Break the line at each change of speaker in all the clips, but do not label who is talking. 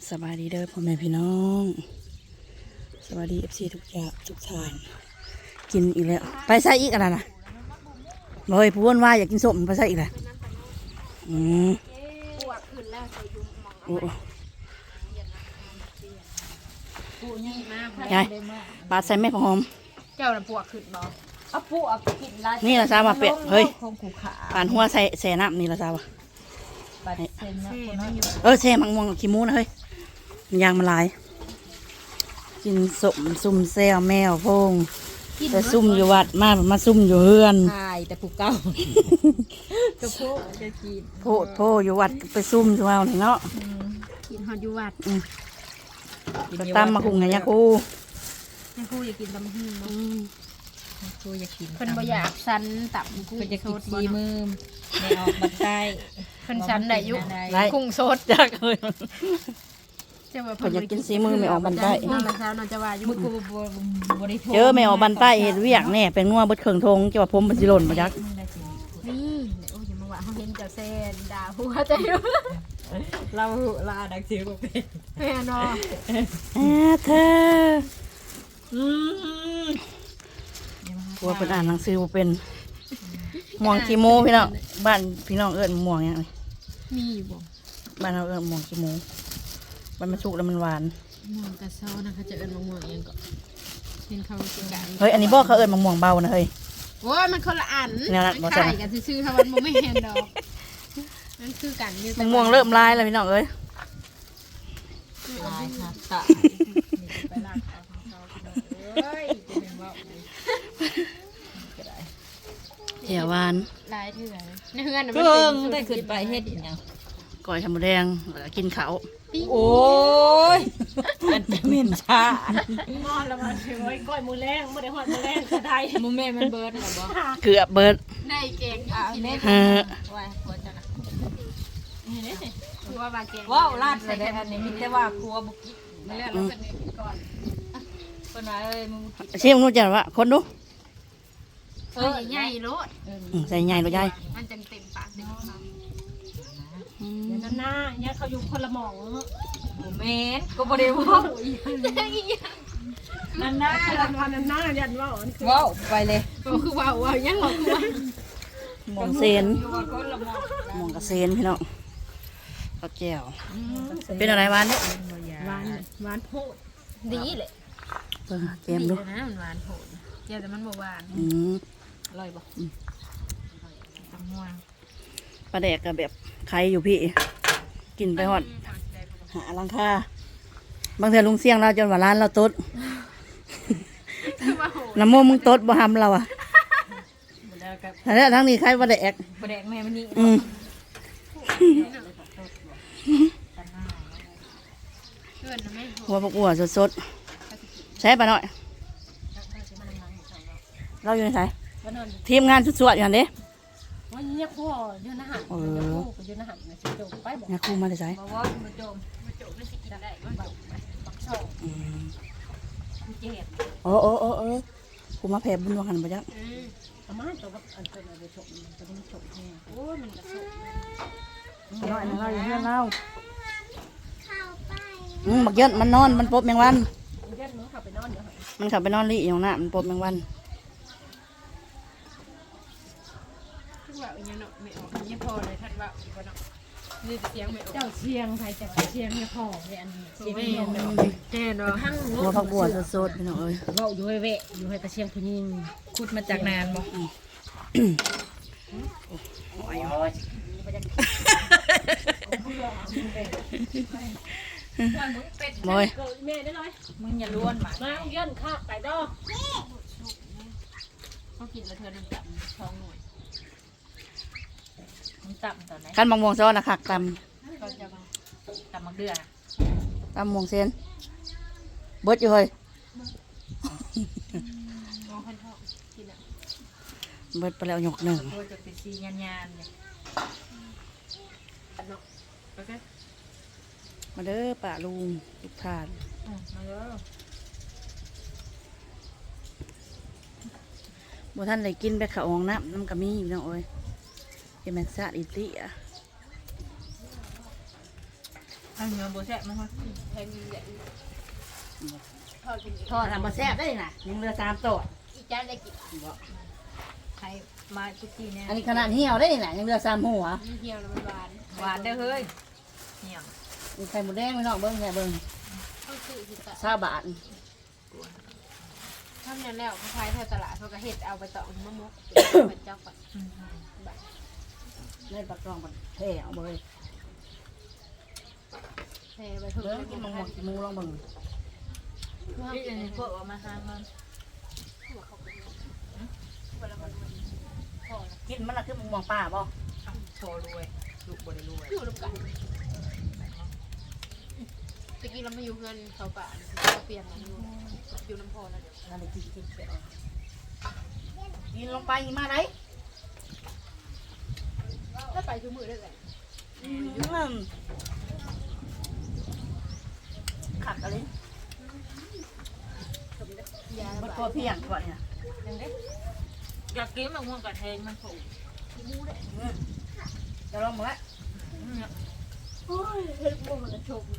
สบายดีเด้อพ่อแม่พี่น้องสวัสดีFCทุกอย่างทุกท่านกินอีกแล้วไปใส่อีกอะไรนะเลยพูดว่าอยากกินส้มไปใส่อีกแล้วโอ้ยายปาดใส่แม่ของหอม
เจ้าน่ะปวกขึ้นบ่เอาปวกกินได้
นี่ละซามาเป็ดเฮ้ยปานหัวใส่แส่น้ำนี่ละซาวะแช่มังม่วงขี้มูนะเฮ้ยยางมันลายกินสมซุ่มแซวแมวพงแต่ซุ่มอยู่วัดมาซุ่มอยู่เฮือน
ใช่แต่ผูกเก่าจะโพจะกิน
โพอยู่วัดไปซุ่มอยู่เอาเนาะ
กินฮอดอยู่วัด
ไปตามมาคุงไงยาคู
ยาคูอยากกินตำหื้อ
กูอยากกิน
เพิ่นบ่อยากสันตับกุ้ง
อยากกินซีมือในออกบันได
เพิ่นสันได้อยู่กุ้งสด
จักเลย
เจ้าว่า
เพิ่นอยากกินซีมือไม่ออกบันได
มันเช้าน่าจะว่าอยู่กู
บ่ได้
เจอไม่ออกบันไดเฮ็ดเวียกแน่เป็นงัวเบิดเครื่องทงเจ้าว่าผมมันสิหล่นบ่จัก
นี่โอ้ยอย่ามาว่าเฮาเห็นเจ้าแซ่ด่าหัวใจอยู่
เราดักซิวบ่เป็น
แม่เนาะ
เธอพวกเป็นอ่านหนังสือเป็นม่วงขี้โมพี่น้องบ้านพี่น้องเอิ้นม่วงยังไง
มีอยู่บ่
บ้านเราเอิ้นม่วงขี้โมมันสุกแล้วมันหวาน
ม่วงกระเซานะเขาจะเอิ้นม่วงยังก็เห็นเขาสิกะ
เฮ้ยอันนี้บ่เขาเอิ้นม่วงเบานะเฮ้ย
โอ้ยมันคนละอันขายกันซื่อๆถ้ามันไม่เห็นดอกนั่นคือกันอยู่
ม่วงเริ่มลายแล้วพี่น้องเอ้ย
ลายค่ะตะ
ไปลากเอาของเขาเอ้ยจะเป็นว่า
เหี่ยวหวาน
ลายเถื่อนในเฮือนน่ะ
มันเป็นได้ขึ้นไปเฮ็ดอีหยัง
ก้อยทำหมูแดงกินข้าว
โอ้ยมันจะเหม็นชา
หม้อละมันโอ้ยก้อยหมูแรงบ่ได้ฮอดหมูแรงก็ได้
หมูแม่มันเบิดแล้วบ่
เกือบเบิด
ได้เก่งอยู่กิน
ไว้ควรจะนะ
นี่เด้คือว่าบาเก่ง
ว้าวลาดเลยอันนี้มีแต่ว่าครัวบ่กิน
ไม่แล้วเราเป็นก่อน
เพิ่นว่าเอ้ยมึง
ชิมนู้จังว่าคนดู
ใหญ่ๆโลด
ใส่ใหญ่โลดใหญ่
มันจังเต็มปากเต็มคำเดี๋ยวหน้าเนี่ยเขาอยู่คนละหม่อง
บ่แม่นก็บ่ได้เว้า
นั่นหน้ายันว่า
เว้าไปเลย
คือว่ายังบอกคือว่า
หม่องเซนหม่องกระเซนพี่น้องข้าวแก้วเป็นอะไรหวานเนี่ย
หวานโพดดีเลย
เกมดู
นะมันหวานโผล่เจ้าแต่มันบ่หวาน
อร่อยบ่
ตำม่วง
ปลาแดกกับแบบใครอยู่พี่กินไปหอดหาลังค่าบางเทื่อลุงเสี่ยงเราจนว่าร้านเราต๊ดน้ำโมมึงต๊ดบ่ทำเราอ่ะแล้วทั้งนี้ใครปลาแดก
แม่มันนี่
หัวพวกหัวสดๆใช้ปลาหน่อยเราอยู่ในสายทีมงานสวดๆอย่างนี้
วันนี้ครูยืนอาหารยืนอาหารนะชิโดไปบอก
ครูมาได้ใช่
ว่ามาโจม
ไม่สิกินได้ก็แบบปักช่องเจ็บ
โอ้ครูมาแผ่บุญวังหันไปจัก
ประมาณตัวกับอันเป็นอะไรชมจะเป็นชมแน่โอ้ยมันกระสุน
น้อยนะเราอยู่เพื่อนเราบักเยอะมันนอนมันปบแมงวัน
มันขับไปนอนอยู่
มันขับไปนอนลี่อย่างน่ะมันปบแมงวัน
ว่าอย่างเนาะไม่ออกยังพอเลยท่านว่าอีกเนาะนี่เสียงไม่ออกเจ้าเสียงใครจะเสียงเนี่ยพอเลยอันนี้เสียงแน่เนาะทั้ง
หัวผักบัวสดๆพี่น้องเอ้ย
เว้าอยู่ให้เวะอยู่ให้ตะเชียงผู้หญิง
ขุดมาจากนานบ่
มอย
แม่ได้เลย
มึงอย่าล้วนมา
เยื่นข้าไปดอกเขากินแล้วเธอดึงจับท้องหน่อย
มึงตับตอนไหน
ขั้นบางม่วงซ้อนนะคักต
ก็จะตับมักเดือ
ตม่วงเซนเบิดอยู่เฮ้ยเบิดไปแล้วหยกหนึ่ง
จะเป็นซียานเลย
มาเด้อป่าลุงทุกท่าน
มาเด้อ
บ่ท่านได้กินไปข้าวองน้ำกระมีอยู่น้องเอ้ยเป็นแมงสาดอิติอ่ะ
อันเนื้อโบแซ่บมั้งคะ
แทงใหญ่ทอดกิน
ทอดทำมาแซ่บได้น่ะยังเหลือ3ตัว
อีจานได้กิน
ใครมาทุกทีเนี่ย
อันนี้ขนาดเหี่ยวได้น่ะยังเหลือ3หัว
เหี่ยวแล้วมันหวาน
หวานได้อเฮ้ยเนี่ย
มีไข่หมูแดงพี่น้องเบิ่งแค่เบิ่ง
เขาซื้อสิตะ
20 บาท
ทำนั่นแล้วเขาขายแถวตลาดเขาก็เฮ็ดเอาไปต่อมะม่วงเป็นเจ้าก่อน
ในปากกล่องมันแท้เอาเลย
แทไปถึง
เบิ่งกินหมูลองเบิ่ง
นี่อันนี้พวกเอามาทานมัน
กินมันละคือหมูหมองป่าบ่
โชว์รวยลูกบริรวย
อยู่ร่วมกันตะกี้เราไม่อยู่เงินเขาป่าเราเปลี่ยนมาอยู่น้ำพอแล้วเดี๋ยว
นั่นได้กินเขียวกินลงไปมาไหน
ถ้าไปชูมือได้เลย
ขัดอะไร
ยา
มันตัวเพียงก่อนเนี่ย
อยากกินมะม่วงกระเทงมันผูก
จะลองมาละ
โอ้ยเฮ็ดบ่มันจะชม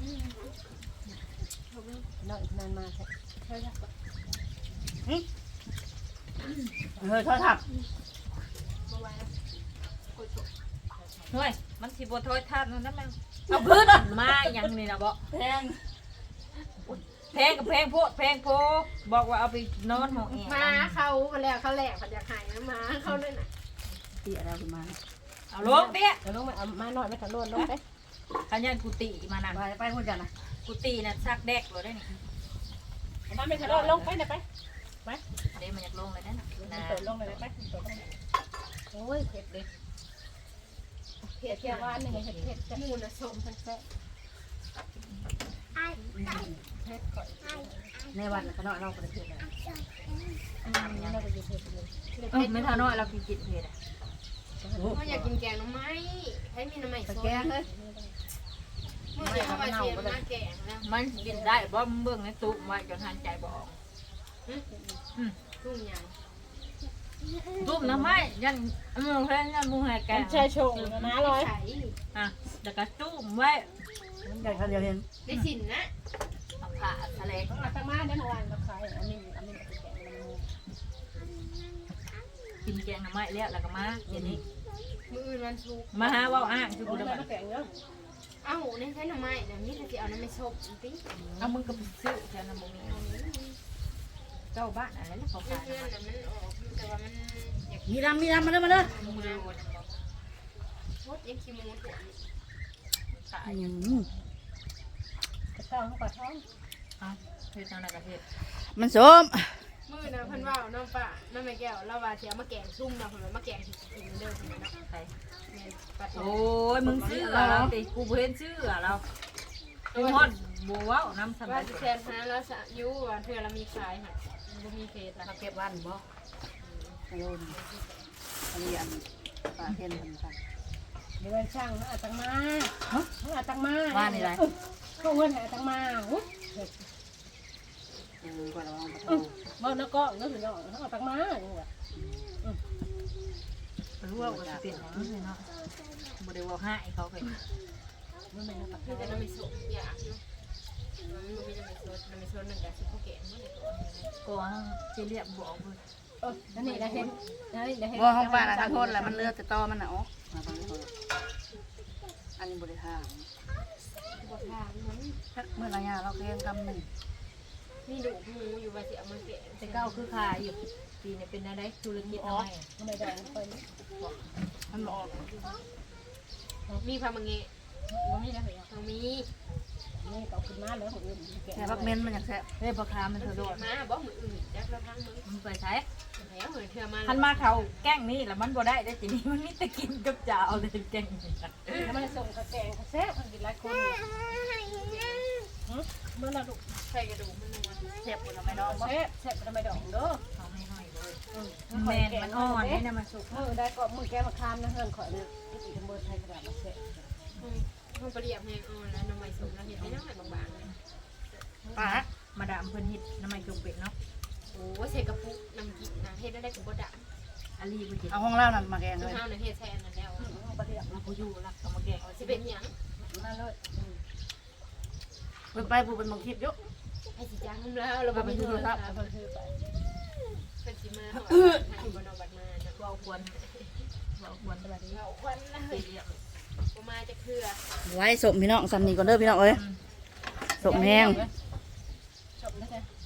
น้อยนานมาใช่
ใช่ครับ
เฮ้ยทอดถัก
บ่ไหวแล้วกดชม
เฮ้ยมันสิบโทษทานนั่นแม่เอาพื้นมาอย่างนี้นะบอก
แพง
แพงกับแพงโพดแพงโพบอกว่าเอาไปนอนห้องแอร์
มาเขามาแล้วเขาแหลกผัดยาไข่นะมาเขาเลยน่ะ
เตี้ยแล้วขึ้นมา
เอาลงเตี้ย
เดี๋ยวลงมาเอามาหน่อยไม่ทันโดนลงไป
ขันยันกุฏิมานั่น
ไปคนจันนะ
กุฏิน่ะซักแดกเลยได้นี่
มาไม่ทันโดนลงไปไหนไป
เดี๋ยวมันอยากลงเลยนั่นนะ
เปิดลงเลยไปเปิดลงโอ้ยเผ็ดเลยเผ็ดแค่ว่าหนึ่งเผ็ดเผ็ดจะมูนะชมทั้งแซ่เผ็ดก่อน
ในวันขนาดเราประเทศอะไร
เราไปดูเผ็ดเลย
ไม่ทาน้อยเรากินกินเผ็ดอ่ะ
เขาอยากกินแกงน้ำไม้ให้มีน้ำไม้สด
แกงเลย
เมื่อเช้ามาเชียร์มาแกงแล้ว
มันกินได้บ่เบิ่งในตู้ไว้จนหันใจบ่ออก
ทุ่งยาง
ตุ้มน้ำไม้ยันมือแพงยันมือแหกแกง
ใช่ชงนะร้อย
อ่ะแต่ก็ตุ้มไว้
ใหญ่ขนาดเดียวเห็น
ได้สินนะ
เอาผ้าทะเล
อาตมาได้เมื่อวานมาขายอันนี้แกงมัน
กินแกงน้ำไม้แล้วก็มาเดี๋ยวนี้
มืออื่นวันศุกร์
มาหาว่าอ้างคือกู
เอา
ได้
มาแกงเนาะเอาในใช้น้ำไม้เนี่ยนี่จะเอาน้ำไม้ชกจริง
เอามึงก็ไปซื้อแค่น้ำมึงเจ้าบ้านอะไรแล้วเขา
เพื่
ขาย
อนๆมันออกแต่ว่ามันอยาก
มีดำมาเลยมาเลย
มึงเลยวัน
โคตรยังขี้มูด
ขาย
กระท้องกระท้อง
เฮ็ดอะไรกับเฮ็ด
มันส้ม
มือนะเพิ่นว่าน้องป้าน้องแม่แก้วเราว่าจะเอามาแกงซุ่มนะเพิ่นว่ามาแกงกินเด้อเพิ่นว่าเนาะ
ใคร
แม่ปลาทอ
โอ้
ง
ยมึงซื้อเราติกูเห็นซื้อเราตัวฮอดบัวว้าวน้ำส
ว่า
บาย
สิแทนหาแล้วสะอยู่ว่าเทื่อเรามีขายค่ะบ่มีเฟซละ
เขาเก็บวันบ่โยนอันนี้อันปลาเทียนมันกัน
เดี๋ยวช่างอาตังมาอาตังมา
ว่านี่ไร
เขาเงินอาตังมาอุ๊ย
ก่อนเราเอาไป
บ่นก็เงินสิเนาะอาตังมาอย่างเงี้ย
รู้ว่าจะเปลี่ยนอย่างนี้เนาะบ่ได้ว่าให้เขาเป็น
มันเป็นปลาที่จะนำไปส่งอยากเนาะมันมีน้ำมันสดนึงกับสิผู้แก่เมื่อไหร่ตัว
ก็จะเรียกบอกเลย
นั่นนี่นะเห็นนั่นนี่นะเห็น
ว่าห้องปลาทางโทษแหละมันเลือดแต่ตอมันหนาวอันนี้บริหาร
บททางมัน
เมื่อไรเราเลี้ยงกำหนึ่ง
มีดุหมูอยู่ว่าสิเอามาแกะ
แต่เก้าคือขายอยู่ปีนี้เป็นอะไรธุรกิจน้อย
ไม่ได้ไป
มันบอก
มีพามังเงะบ่มีนะเหรอมีนี่ก็ขึ้นมาแล้วของอื่นแกะ
แต่พักเม้นมันอยากแซ่บ
เฮ้ยพ่อค้ามัน
มัน
สะดวก
มาบ่มืออื่นจักละพังมึง
มันไปใช้
แล้วเหมือนเธอมา
ทันมาเขาแกล้งนี่แล้วมันบ่ได้ได้ทีนี้มันมีแต่กินกับจ่าเอาแต่แกล้งนี่
แล้วมันส่งกระแกงกระแซ่บมันกินหลายคนเมื่อเราดุใส่กระดูกมันนัว
แซ่บคนละไม่น้อง
แซ่บแซ่บทำไมดอกเด้อ
เขาไม่ให้เลยแมนมันอ่อนนี่นะมันสุก
มือได้ก็มือแกมาคามนะเฮือนข่อยเนี่ยที่ตำบลไทยกระดาษมาแซ่บมันประเดี๋ยวแห้งอ่อนแล้วน้ำมันสมแล้วเห็นได้น้ำมันบางๆ
ปลา
มาดามเพิ่นฮิตน้ำมันจุกเป็ดเนาะ
โอ้ใส่กระปุกน้ำกินนะเฮ็ดได้กับบดอ่ะ
อาลีบ่จิ
เอาห้องเล่านั่นมาแกง
น้ำ
เลย
ข้าวน่ะเฮ็ดแทนนั่นแล้ว
เราผู้อยู่รักกับมาแกง
สิเป็นหยัง
นั่นเลยเพิ่นไปผู้เป็นบางคลิปอยู่
ให้สิจ้างแล้วเราบ่มีโทรศัพท์เพิ่นซื้อไปเพิ่นสิมาให้บ่นอกบัดมาจะ
เบาควรเบาควร
สวัสดีควันเลยบ่มาจะเคือ
ไว้สมพี่น้องซ้ำนี่ก่อนเด้อพี่น้องเอ้ยสมแห้ง
จบแล้วจ้ะ